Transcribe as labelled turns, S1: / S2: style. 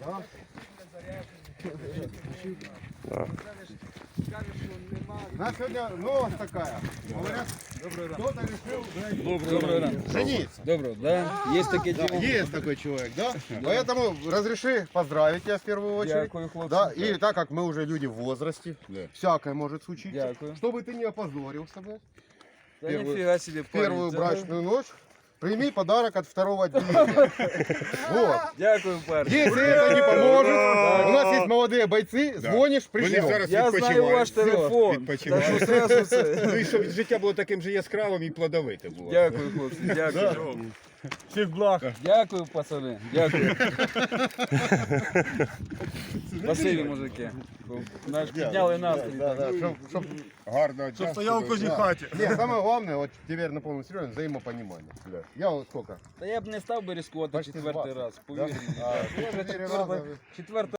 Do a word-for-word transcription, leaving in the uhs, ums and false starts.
S1: У нас сегодня новость такая. Говорят, кто-то решил
S2: Доброго ранку.
S1: жениться.
S2: Доброго, да? Есть таке
S1: Да,
S2: діло?
S1: есть такой человек, да? Поэтому разреши поздравить тебя в первую очередь.
S2: Дякую, хлопці.
S1: Да, и так как мы уже люди в возрасте, всякое может случиться,
S2: Дякую.
S1: чтобы ты не опозорился бы
S2: Та
S1: Первую-
S2: ніфіга собі,
S1: в первую
S2: парень, це-
S1: брачную ночь, прими подарок от второго отделения. Вот.
S2: Дякую, парень.
S1: Если это не поможет, у нас есть молодые бойцы, звонишь,
S3: Вони
S1: пришлем.
S3: зараз
S2: Я знаю
S3: відпочивають.
S2: ваш телефон. Так
S3: Відпочивають.
S2: що зразу це.
S3: Ну і щоб життя було таким же яскравим і плодовитим було.
S2: Дякую, хлопці, дякую. Всіх благ. Дякую, пацани, дякую. Спасибі, мужики. Наш підняли настрій.
S1: Да, да, чтоб- чтоб-
S3: Гарно. Щоб
S4: Стоял в кожній хаті.
S1: Не, самое главное, вот теперь на полном серьезе, взаимопонимание. Я вот сколько?
S2: Та я б не став би ризикувати
S1: Почти
S2: четвертий
S1: двадцять.
S2: раз, повір мені.
S1: А,
S2: Я вже
S1: чотири
S2: четверта-
S1: рази.
S2: четверта